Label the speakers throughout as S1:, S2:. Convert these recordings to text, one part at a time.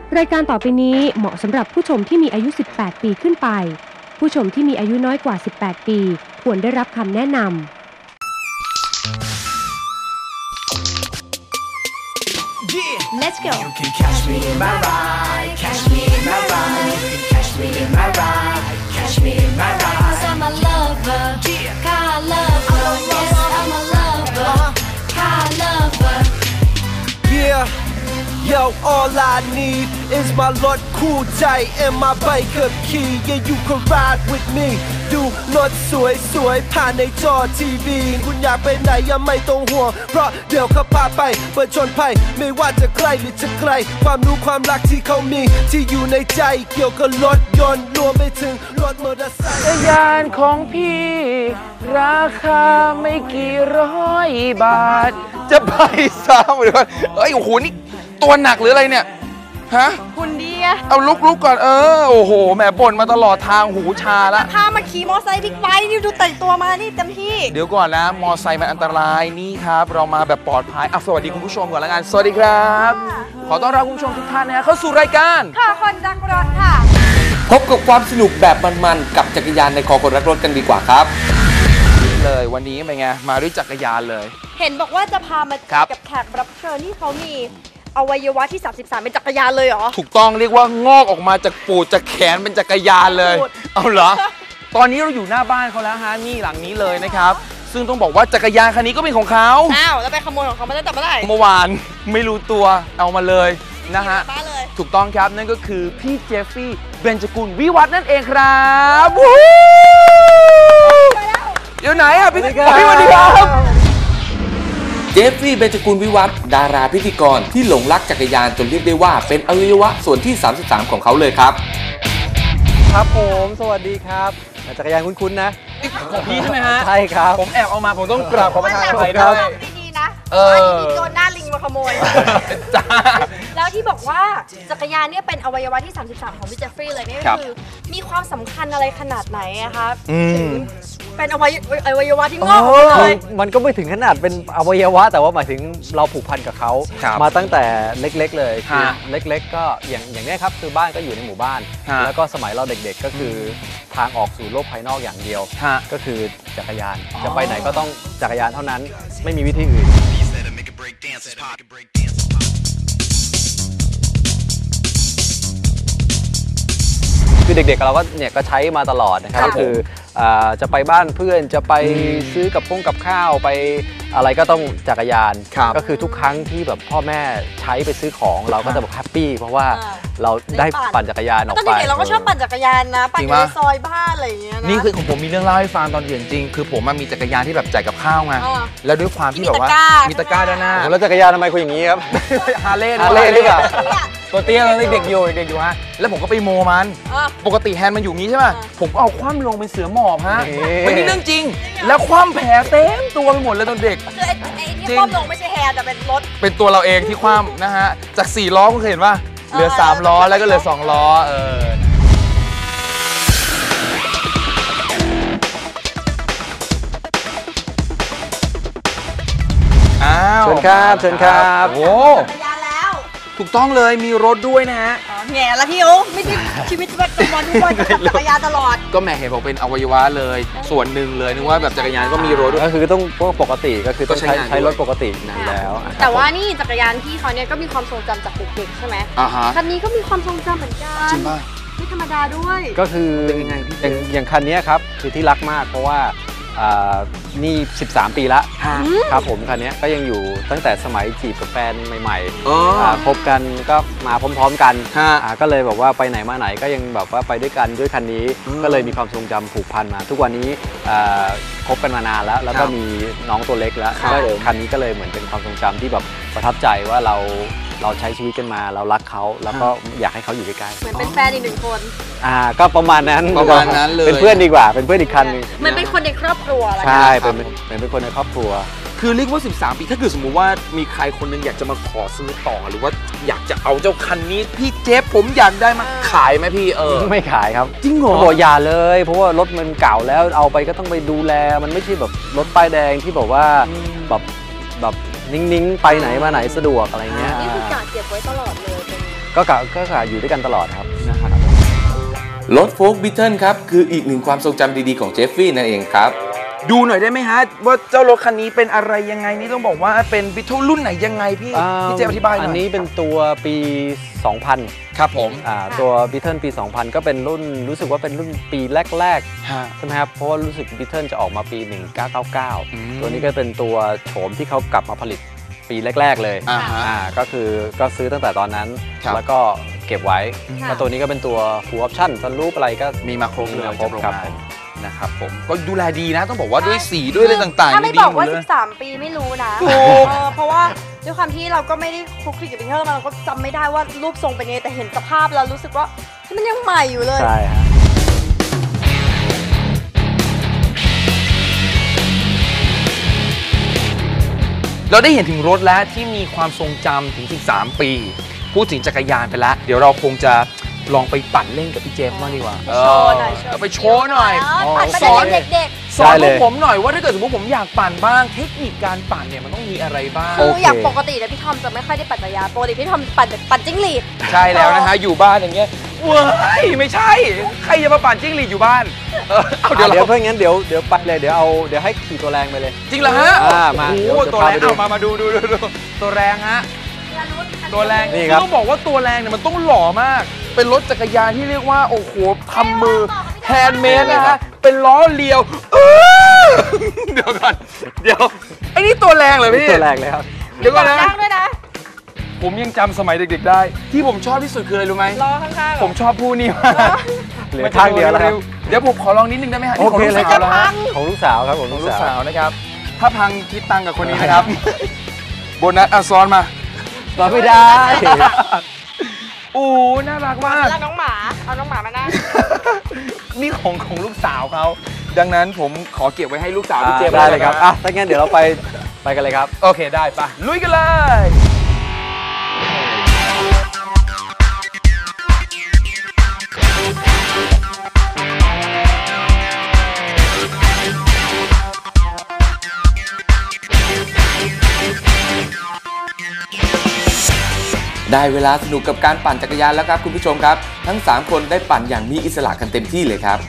S1: รายการต่อไปนี้เหมาะสำหรับผู้ชมที่มีอายุ 18 ปีขึ้นไปผู้ชมที่มีอายุน้อยกว่า 18 ปีควรได้รับคำแนะนำ
S2: Let's go. You can catch me in my ride, catch me in my ride. You can catch me in my ride, catch me in my ride. 'Cause I'm a lover, car lover. Yes, I'm a lover, car lover.
S3: Yeah.Yo, all I need is my รถคู่ใจ and my bike ขับขี่ Yeah, you can ride with me ดูรถสวยๆผ่านในจอทีวีคุณอยากไปไหนยังไม่ต้องห่วงเพราะเดี๋ยวเขาพาไปเปิดชนภัยไม่ว่าจะใกล้หรือจะไกลความรู้ความรักที่เขามีที่อยู่ในใจเกี่ยวกับรถยนต์รวมไปถึงรถมอเตอร์ไซค์จักรยานของพี่ราคาไม่กี่ร้อยบาท
S4: จะไปซ้ำเดี๋ยวก่อนเอ้ยโอ้โหนี่ตัวหนักหรืออะไรเนี่ยฮะ
S5: คุณดีอะ
S4: เอาลุกก่อนโอ้โหแหมบ่นมาตลอดทางหูชาละ
S5: พามาขี่มอไซค์บิ๊กไบค์นี่ดูแต่งตัวมานี่เต็มที่
S4: เดี๋ยวก่อนนะมอไซค์มันอันตรายนี่ครับเรามาแบบปลอดภัยสวัสดีคุณผู้ชมก่อนละกันสวัสดีครับขอต้อนรับคุณผู้ชมทุกท่านนะเข้าสู่รายการ
S5: ค่ะคนรักรถค่ะ
S6: พบกับความสนุกแบบมันๆกับจักรยานในคอคนรักรถกันดีกว่าครับ
S4: เลยวันนี้เป็นไงมาด้วยจักรยานเลย
S5: เห็นบอกว่าจะพามากับแขกรับเชิญที่เขามีอวัยวะที่33เป็นจักรยานเลยเหรอ
S4: ถูกต้องเรียกว่างอกออกมาจากปูดจากแขนเป็นจักรยานเลยเอาเหรอตอนนี้เราอยู่หน้าบ้านเขาแล้วฮะนี่หลังนี้เลยนะครับซึ่งต้องบอกว่าจักรยานคันนี้ก็เป็นของเขา
S5: แล้วไปขโมยของเขามาตั้งแต่เมื่อไหร่
S4: เมื่อวานไม่รู้ตัวเอามาเลยนะฮะถูกต้องครับนั่นก็คือพี่เจฟฟี่เบญจกุลวิวัฒน์นั่นเองครับเดี๋ยวไหนอ่ะพี่สวัสดีครับ
S6: เจฟฟี่เบญจกุลวิวัฒน์ดาราพิธีกรที่หลงรักจักรยานจนเรียกได้ว่าเป็นอวัยวะส่วนที่33ของเขาเลยครับ
S7: ครับผมสวัสดีครับจักรยานคุ้นๆนะ
S4: ของพี่ใช่ไหมฮะ
S7: ใช่ครับ
S4: ผมแอบเอามาผมต้องกราบขอประทานอภัยด้วย
S5: ดีๆนะมีโจรหน้าลิงมาขโมย
S4: จ้า
S5: แล้วที่บอกว่าจักรยานเนี่ยเป็นอวัยวะที่33ของพี่เจฟฟี่เลยนี่คือมีความสำคัญอะไรขนาดไหนอะครับเป็นอวัยวะที่งอกเลย
S7: มันก็ไม่ถึงขนาดเป็นอวัยวะแต่ว่าหมายถึงเราผูกพันกับเขามาตั้งแต่เล็กๆเลยคือเล็กๆก็อย่างนี้ครับคือบ้านก็อยู่ในหมู่บ้านแล้วก็สมัยเราเด็กๆก็คือทางออกสู่โลกภายนอกอย่างเดียวก็คือจักรยานจะไปไหนก็ต้องจักรยานเท่านั้นไม่มีวิธีอื่นคือเด็กๆเราก็เนี่ยก็ใช้มาตลอดนะครับก็คือจะไปบ้านเพื่อนจะไปซื้อกับข้าวไปอะไรก็ต้องจักรยานก็คือทุกครั้งที่แบบพ่อแม่ใช้ไปซื้อของเราก็จะแบบแฮปปี้เพราะว่าเราได้ปั่นจักรยานออกไป
S5: ตอนเด็กเราก็ชอบปั่นจักรยานนะปั่นในซอยบ้านอะไรอย่างเงี้ยนะ
S4: นี่คือของผมมีเรื่องเล่าให้ฟังตอนเด็กจริงคือผมมีจักรยานที่แบบจ่ายกับข้าวไงแล้วด้วยความที่แบบว่ามีตะกร้าด้านหน้า
S7: แล้วจักรยานทำไมคุณอย่างนี้ครับ
S4: ฮาร์เลย์
S7: หรือเปล่า
S4: ตัวเตี้ยตอนเด็กอยู่ฮะแล้วผมก็ไปโมมันปกติแฮนด์มันอยู่งี้ใช่ป่ะผมก็เอาคว่ำลงเป็นเสือหมอบฮะไม่มีเรื่องจริงแล้วคว่ำแผลเต็มตัวไปหมดเลยตอนเด็ก
S5: คือไอ้ที่คว่ำลงไม่ใช่แฮนด์แต่เป็นรถ
S4: เป็นตัวเราเองที่คว่ำนะฮะจาก4ล้อคุณเคยเห็นป่ะเหลือ3ล้อแล้วก็เหลือ2ล้อ
S7: เชิญครับ
S4: โอ้
S5: จักรยานแล้ว
S4: ถูกต้องเลยมีรถด้วยนะฮะ
S5: แง่ละพี่โอ้ไม่ใช่ชีวิตประจำวันทุกวันจะขับจักรยานตลอด
S4: ก็แม่เห็นบอกเป็นอวัยวะเลยส่วนหนึ่งเลยนึกว่าแบบจักรยานก็มีรถด้วย
S7: ก็คือต้องปกติก็คือต้องใช้รถปกติอยู่แล้ว
S5: แต่ว่านี่จักรยานพี่เขาเนี่ยก็มีความทรงจำจากเด็กๆใช่ไหมคันนี้ก็มีความทรงจำเหมือนกัน
S4: จริงป่ะ
S5: ไม่ธรรมดาด้วย
S7: ก็คืออย่างคันนี้ครับคือที่รักมากเพราะว่านี่13 ปีละครับผมคันนี้ก็ยังอยู่ตั้งแต่สมัยจีบกับแฟนใหม่ๆพบกันก็มาพร้อมๆกันก็เลยบอกว่าไปไหนมาไหนก็ยังแบบว่าไปด้วยกันด้วยคันนี้ก็เลยมีความทรงจำผูกพันมาทุกวันนี้คบกันมานานแล้วก็มีน้องตัวเล็กแล้วคันนี้ก็เลยเหมือนเป็นความทรงจำที่แบบประทับใจว่าเราใช้ชีวิตกันมาเรารักเขาแล้วก็อยากให้เขาอยู่ใกล้ๆ
S5: เหมือนเป็นแฟนอีก1 คน
S7: ก็ประมาณนั้น
S4: เลย
S7: เป็นเพื่อนดีกว่าเป็นเพื่อนอีกคันนึง
S5: มันเป็นคนในครอบครัว
S7: ใช่เป็นคนในครอบครัว
S4: คือเรียกว่า13 ปีถ้าเกิดสมมุติว่ามีใครคนนึงอยากจะมาขอซื้อต่อหรือว่าอยากจะเอาเจ้าคันนี้พี่เจฟผมอยากได้มาขายไหมพี่
S7: ไม่ขายครับ
S4: จริงเหรอ
S7: บอกอย่าเลยเพราะว่ารถมันเก่าแล้วเอาไปก็ต้องไปดูแลมันไม่ใช่แบบรถป้ายแดงที่บอกว่าแบบนิ่งๆไปไหนมาไหนสะดวกอะไรเงี้ย
S5: นี่คือกะเก็บไว้ตลอดเลย
S7: ก็กะอยู่ด้วยกันตลอดครับนะครับ
S6: รถโฟล์คบิทเทิลครับคืออีกหนึ่งความทรงจำดีๆของเจฟฟี่นั่นเองครับ
S4: ดูหน่อยได้ไหมฮะว่าเจ้ารถคันนี้เป็นอะไรยังไงนี่ต้องบอกว่าเป็นบิทเทิลรุ่นไหนยังไงพี่เจมอธิบายหน่อย
S7: อันนี้เป็นตัวปี 2000
S4: ครับผม
S7: ตัวบิทเทิลปี 2000 ก็เป็นรุ่นรู้สึกว่าเป็นรุ่นปีแรกๆใช่ไหมครับเพราะว่ารู้สึกบิทเทิลจะออกมาปี 1999 ตัวนี้ก็เป็นตัวโฉมที่เขากลับมาผลิตปีแรกๆเลยก็คือก็ซื้อตั้งแต่ตอนนั้นแล้วก็เก็บไว้แล้วตัวนี้ก็เป็นตัว full option ซันรูปอะไรก็
S4: มีมาครบเลย
S7: ครับ
S4: นะครับผมก็ดูแลดีนะต้องบอกว่าด้วยสีด้วยอะไรต่างๆ
S5: ถ้าไม่บอกว่า13 ปีไม่รู้นะ
S4: ถูก
S5: เพราะว่าด้วยความที่เราก็ไม่ได้คลุกคลิกกับบิทเทิลมาเราก็จำไม่ได้ว่ารูปทรงเป็นยังไงแต่เห็นสภาพแล้วรู้สึกว่ามันยังใหม่อยู่เลย
S7: ใช่ฮะ
S4: เราได้เห็นถึงรถแล้วที่มีความทรงจำถึง13 ปีพูดถึงจักรยานไปแล้วเดี๋ยวเราคงจะลองไปปั่นเล่นกับพี่เจมส์บ้างดีกว่าไปโชว์หน่อย
S5: ปั่นไปเด็ก
S4: ๆสอนผมหน่อยว่าถ้าเกิดสมมติผมอยากปั่นบ้างเทคนิคการปั่นเนี่ยมันต้องมีอะไรบ้าง
S5: คืออย่างปกติแล้วพี่ทอมจะไม่ค่อยได้ปั่นจักรยานปกติพี่ทอมปั่นจิ้งหรีด
S4: ใช่แล้วนะฮะอยู่บ้านอย่างเงี้ยเว้ยไม่ใช่ใครจะมาปั่นจิ้งหรีดอยู่บ้าน
S7: เดี๋ยวเพื่อนงั้นเดี๋ยวไปเลยเดี๋ยวให้ขี่ตัวแรงไปเลย
S4: จริงเหรอฮะ
S7: มา
S4: โอ้ตัวแรงมาดูตัวแรงฮะตัวแรงนี่ต้องบอกว่าตัวแรงเนี่ยมันต้องหล่อมากเป็นรถจักรยานที่เรียกว่าโอ้โหทำมือแฮนด์เมดนะฮะเป็นล้อเลียวเดี๋ยวก่อนไอ้นี่ตัวแรงเลยพี่
S7: ตัวแรงเลยครับ
S4: เดี๋ยวก่อนนะ
S5: ด้วยนะ
S4: ผมยังจำสมัยเด็กๆได้ที่ผมชอบที่สุดคืออะไรรู้ไหม
S5: ล้อข้าง
S4: ๆผมชอบผู้นี่มาก
S7: เหลือข้างเดียวแล้วครับ
S4: เดี๋ยวผมขอลองนิดนึงได้ไหมฮะ
S7: โอเคเลยครับของลูกสาวครับของลูกสาว
S4: นะครับถ้าพังคิดตังกับคนนี้นะครับโบนัสซ้อนมา
S7: ไม่ได้
S4: โอ้น่ารักมาก
S5: น้องหมาเอาน้องหมามานั่ง
S4: นี่ของลูกสาวเขาดังนั้นผมขอเก็บไว้ให้ลูกสาวพี่เจมส์
S7: ได้เลยครับถ้างั้นเดี๋ยวเราไปกันเลยครับ
S4: โอเคได้ปะลุยกันเลย
S6: ได้เวลาสนุกกับการปั่นจักรยานแล้วครับคุณผู้ชมครับทั้ง3คนได้ปั่นอย่างมีอิสระกันเต็มที่เลยครับ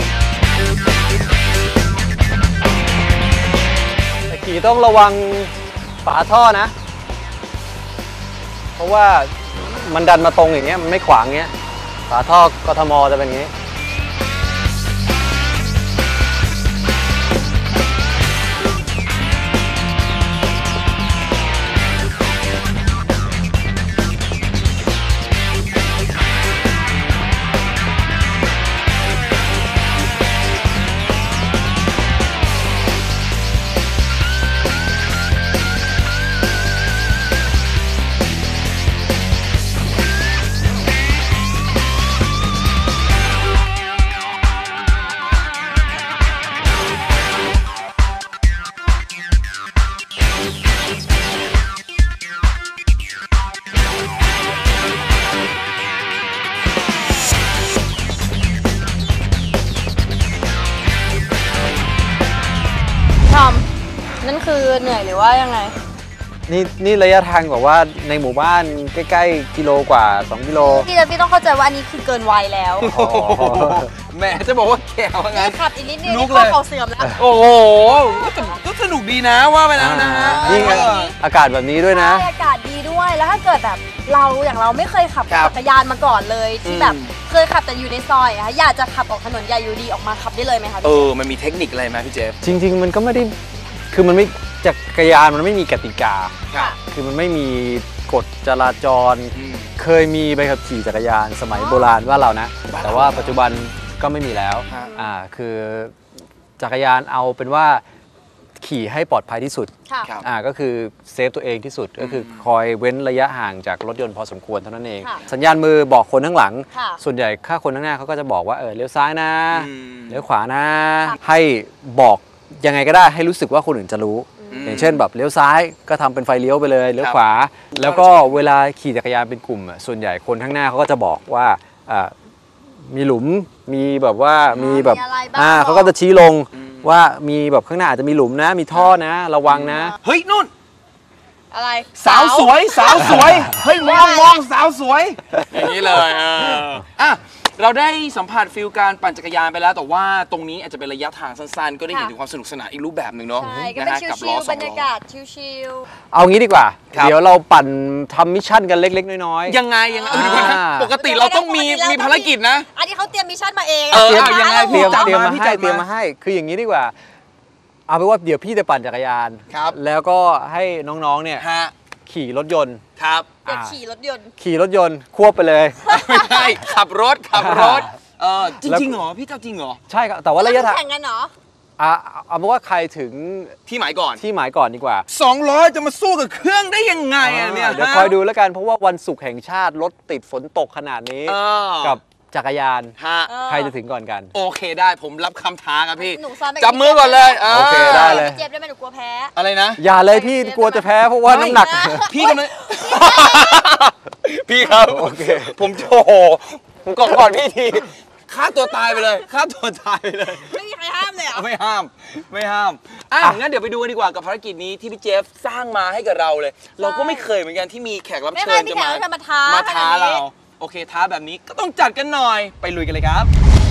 S7: ขี่ต้องระวังฝาท่อนะเพราะว่ามันดันมาตรงอย่างเงี้ยมันไม่ขวางเงี้ยฝาท่อกทมจะเป็นอย่างงี้
S5: นั่นคือเหนื่อยหรือว่ายังไง
S7: นี่ระยะทางแบบว่าในหมู่บ้านใกล้ๆกิโลกว่า2 กิโล
S5: พี่ต้องเข้าใจว่าอันนี้คือเกินวัยแล้ว
S4: แม่จะบอกว่าแก่ว่างั้น
S5: ขับอีกนิดนึงนี่ข้อเข่าเสื่อมแล้ว
S4: โอ้โหก็สนุกดีนะว่าไปแล้วนะฮะ
S7: นี่อากาศแบบนี้ด้วยนะ
S5: อากาศดีด้วยแล้วถ้าเกิดแบบเราไม่เคยขับจักรยานมาก่อนเลยที่แบบเคยขับแต่อยู่ในซอยอะอยากจะขับออกถนนใหญ่อยู่ดีออกมาขับได้เลยไหมคะ
S4: มันมีเทคนิคอะไรไหมพี่เจฟ
S7: จริงๆมันก็ไม่ได้คือมันไม่จักรยานมันไม่มีกติกาคือมันไม่มีกฎจราจรเคยมีใบขับขี่จักรยานสมัยโบราณว่าเรานะแต่ว่าปัจจุบันก็ไม่มีแล้วคือจักรยานเอาเป็นว่าขี่ให้ปลอดภัยที่สุดก็คือเซฟตัวเองที่สุดก็คือคอยเว้นระยะห่างจากรถยนต์พอสมควรเท่านั้นเองสัญญาณมือบอกคนข้างหลังส่วนใหญ่ถ้าคนข้างหน้าเขาก็จะบอกว่าเลี้ยวซ้ายนะเลี้ยวขวานะให้บอกยังไงก็ได้ให้รู้สึกว่าคนอื่นจะรู้อย่างเช่นแบบเลี้ยวซ้ายก็ทำเป็นไฟเลี้ยวไปเลยเลี้ยวขวาแล้วก็เวลาขี่จักรยานเป็นกลุ่มส่วนใหญ่คนข้างหน้าเขาก็จะบอกว่ามีหลุมมีแบบว่ามีแบบเขาก็จะชี้ลงว่ามีแบบข้างหน้าอาจจะมีหลุมนะมีท่อนะระวังนะ
S4: เฮ้ยนู่น
S5: อะไร
S4: สาวสวยสาวสวยเฮ้ยมองสาวสวยอย่างนี้เลยอ่ะเราได้สัมผัสฟิลการปั่นจักรยานไปแล้วแต่ว่าตรงนี้อาจจะเป็นระยะทางสั้นๆก็ได้เห็นถึงความสนุกสนานอีกรูปแบบหนึ่งเนาะ
S5: ใช่ก็เป็นชิลๆบรรยากาศชิล
S7: เอางี้ดีกว่า
S4: ครับ
S7: เดี๋ยวเราปั่นทำมิชชั่นกันเล็กๆน้อยๆ
S4: ยังไงปกติเราต้องมีภารกิจนะ
S5: ๆอันนี้เขาเตรียมมิชชั่นมาเอง
S4: ยังไง
S7: เตรียม
S4: จัด
S7: เตรียมมา
S4: พี่
S7: ให้
S4: จัด
S7: เตรียมมาให้ คืออย่างนี้ดีกว่า เอาเป็นว่าเดี๋ยวพี่จะปั่นจักรยาน
S4: ครับ
S7: แล้วก็ให้น้องๆเนี่ย
S4: ฮะ
S7: ขี่รถยนต์
S4: ครับ
S5: อยากขี่รถยนต์
S7: ขี่รถยนต์ควบไปเลย
S4: ไม่ใช่ขับรถจริงๆเหรอพี่เจ้าจริงเหรอ
S7: ใช่ครับแต่ว่าระยะทาง
S5: แข่งกันเหรอ
S7: เอาเป็นว่าใครถึง
S4: ที่หมายก่อน
S7: ที่หมายก่อนดีกว่า
S4: 200จะมาสู้กับเครื่องได้ยังไงอะเนี่ย
S7: เดี๋ยวคอยดูแล้วกันเพราะว่าวันศุกร์แห่งชาติรถติดฝนตกขนาดนี้ กับจักรยาน
S4: ฮะ
S7: ใครจะถึงก่อนกัน
S4: โอเคได้ผมรับคำท้าครับพี่
S5: หนูซ้อมไป
S4: จับมือก่อนเลย
S7: โอเคได้เลย
S5: เจ็บได้ไหมหนูกลัวแพ้
S4: อะไรนะ
S7: อย่าเลยพี่กลัวจะแพ้เพราะว่าน้ำหนัก
S4: พี่กำลังพี่ครับ
S7: โอเค
S4: ผมโอ้โหผมก่อนพี่ทีฆ่าตัวตายไปเลยฆ่าตัวตายไปเลย
S5: ไม่มีใครห้ามเลยเหรอ
S4: ไม่ห้ามงั้นเดี๋ยวไปดูกันดีกว่ากับภารกิจนี้ที่พี่เจฟสร้างมาให้กับเราเลย เราก็ไม่เคยเหมือนกันที่มีแขกรับ
S5: ไม่
S4: เชิ
S5: เคย
S4: ญ
S5: มี
S4: จะ
S5: แขก
S4: มา
S5: รับเชิญมาท้า
S4: ท้า
S5: ขนดนี้
S4: เราโอเคท้าแบบนี้ก็ต้องจัดกันหน่อยไปลุยกันเลยครับ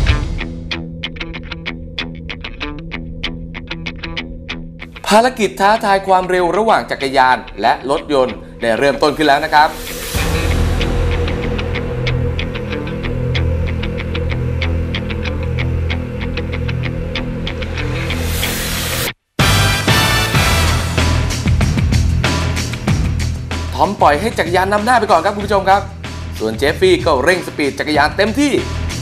S6: ภารกิจท้าทายความเร็วระหว่างจักรยานและรถยนต์ได้เริ่มต้นขึ้นแล้วนะครับ ทอมปล่อยให้จักรยานนำหน้าไปก่อนครับคุณผู้ชมครับ ส่วนเจฟฟี่ก็เร่งสปีดจักรยานเต็มที่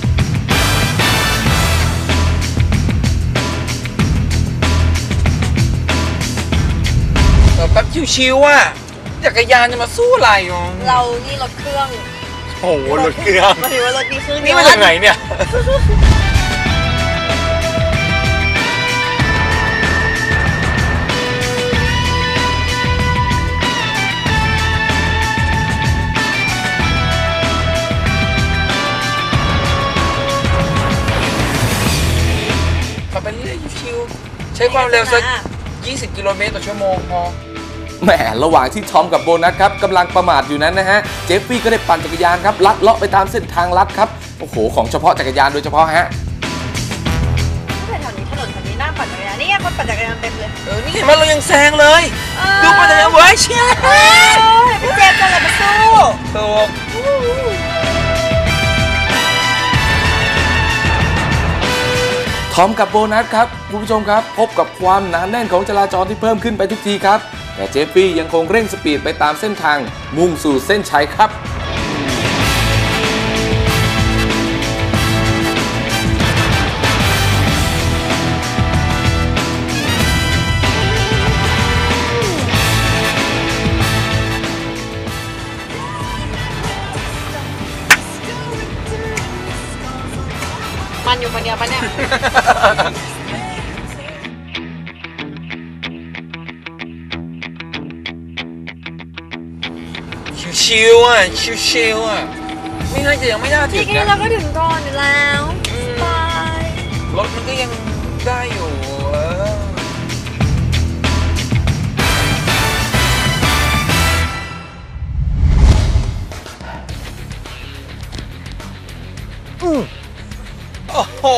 S4: แป๊บชิวๆอ่ะจักรยานจะมาสู้อะไรอ่ะ
S5: เรานี่รถเครื่อง
S4: โอ้โหรถเครื่อง
S5: มาถือว่ารถดีเครื่อง
S4: นี่มาจากไหนเนี่ยขับไปเรื่อยชิวๆใช้ความเร็วสัก20 กิโลเมตรต่อชั่วโมงพอ
S6: แหมระหว่างที่ทอมกับโบนัสครับกำลังประมาทอยู่นั้นนะฮะเจฟฟี่ก็ได้ปั่นจักรยานครับลัดเลาะไปตามเส้นทางลัดครับโอ้โหของเฉพาะจักรยานโดยเฉพาะฮะ
S5: แถวนี้ถนนแถวนี้น่าปั่นจักรยานนี่ไงคนปั่นจักรยานเต็มเลย
S4: นี่เห็นไหมเรายังแซงเลย ดูไปเลยเว้ยเชี่ย
S5: พี่เจมส์จะอะไรมาสู้
S4: ถูก
S6: ทอมกับโบนัสครับคุณผู้ชมครับพบกับความหนาแน่นของจราจรที่เพิ่มขึ้นไปทุกทีครับแต่เจฟฟี่ยังคงเร่งสปีดไปตามเส้นทางมุ่งสู่เส้นชัยครับ
S5: มันอยู่คนเดียวปะเนี่ย
S4: ชิวๆอ่ะชิวๆอ่ะไม่น่าจะยังไม่น่าถึ
S5: พี่
S4: ง
S5: กี้
S4: นะ
S5: เราก็ถึงก่อนอยู่แล้วบาย
S4: รถมันก็ยังได้อยู่โอ้โห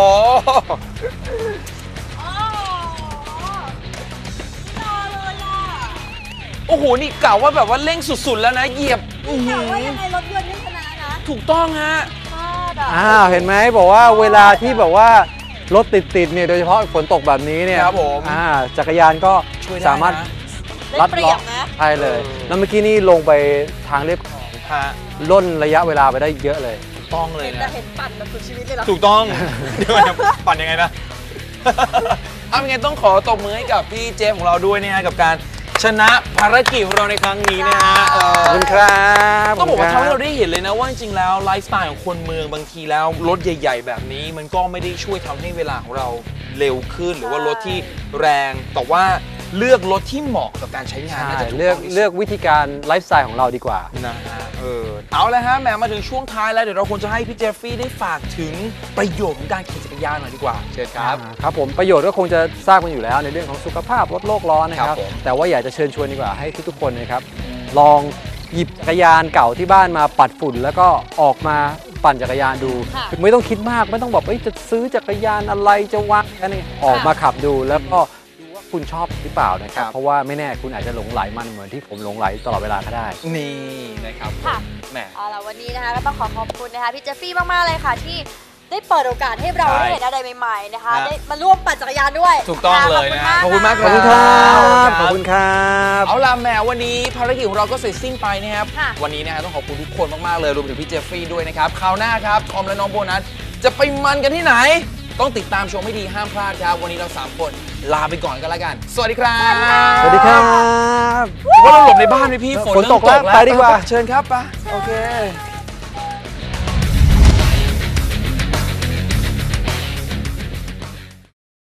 S4: โอ้โห นี่กล่าวว่าแบบว่าเร่งสุดๆแล้วนะ เหยียบ
S5: แต่ว่ายังไงรถยนต์นี่ชนะนะ
S4: ถูกต้องฮะ
S7: เห็นไหมบอกว่าเวลาที่แบบว่ารถติดๆเนี่ยโดยเฉพาะฝนตกแบบนี้เนี่ย
S4: ครับผม
S7: จักรยานก็
S4: ช่วยได้นะ
S7: สามารถ
S5: ได้เปรียบนะ
S7: ใช่เลยแล้วเมื่อกี้นี่ลงไปทางเรียบ
S4: ฮะ
S7: ล่นระยะเวลาไปได้เยอะเลย
S4: ถูกต้องเลย
S5: จะ
S4: นะ
S5: เห็นปั่นแบบสุดชีวิตเลยเหรอ
S4: ถูกต้อง เดี๋ยวจะปั่นยังไงนะ เอาเป็นไงต้องขอตบมือให้กับพี่เจฟของเราด้วยนะฮะกับการชนะภารกิจของเราในครั้งนี้นะฮะ
S7: ขอบคุณครับ
S4: ต้องบอกว่า
S7: ข
S4: ทำ
S7: บ
S4: ให้
S7: คุณค
S4: เรา
S7: บ
S4: ได้เห็นเลยนะว่าจริงๆแล้วไลฟ์สไตล์ของคนเมืองบางทีแล้วรถใหญ่ ๆ แบบนี้มันก็ไม่ได้ช่วยทำให้เวลาของเราเร็วขึ้นหรือว่ารถที่แรงแต่ว่าเลือกรถที่เหมาะกับการใช้งานน่าจะถูก
S7: เลื
S4: ต้
S7: อ
S4: อก งที่สุด
S7: เลือกวิธีการไลฟ์สไตล์ของเราดีกว่า
S4: นะฮะเอาเลยฮะแหมมาถึงช่วงท้ายแล้วเดี๋ยวเราควรจะให้พี่เจฟฟี่ได้ฝากถึงประโยชน์ของการขี่จักรยานหน่อยดีกว่าเชิญครับ
S7: ครับผมประโยชน์ก็คงจะทราบกันอยู่แล้วในเรื่องของสุขภาพลดโลกร้อนนะค
S4: ครั
S7: รั
S4: บบ ผม
S7: แต่ว่าอยากจะเชิญชวนดีกว่าให้ทุกๆคนนะครับลองหยิบจักรยานเก่าที่บ้านมาปัดฝุ่นแล้วก็ออกมาปั่นจักรยานดู
S5: ค่ะ
S7: ไม่ต้องคิดมากไม่ต้องแบบจะซื้อจักรยานอะไรจะวางอะไรออกมาขับดูแล้วก็ดูว่าคุณชอบหรือเปล่านะครับเพราะว่าไม่แน่คุณอาจจะหลงไหลมันเหมือนที่ผมหลงไหลตลอดเวลาก็ได้
S4: นี่นะครับ
S5: ค่ะ
S4: แหม
S5: เอาล่ะวันนี้นะคะก็ต้องขอบคุณนะคะพี่เจฟฟี่มากๆเลยค่ะที่ได้เปิดโอกาสให้เรา
S4: ใช่
S5: ได้เห็นอะไรใหม่ๆนะคะ
S4: ฮะ
S5: ได้มาร่วมปั่นจักรยานด้วย
S4: ถูกต้องเลยนะ
S5: ขอบคุณมาก
S4: ขอบคุณมาก
S7: ขอบคุณครับ
S4: เอาล่ะแหมวันนี้ภารกิจของเราก็เสร็จสิ้นไปนะครับ
S5: ค่ะ
S4: วันนี้นะฮะต้องขอบคุณทุกคนมากๆเลยรวมถึงพี่เจฟฟี่ด้วยนะครับคราวหน้าครับทอมและน้องโบนัสจะไปมันกันที่ไหน ต้องติดตามชมให้ดีห้ามพลาดครับวันนี้เรา3คนลาไปก่อนกันแล้วกันสวัสดีครับ
S7: สวัสดีครับ
S4: ว่าเราหลบในบ้านไหมพี่ฝน
S7: ฝนตก
S4: เริ่ม
S7: แล้วไปดีกว่า
S4: เชิญครับไปโอเค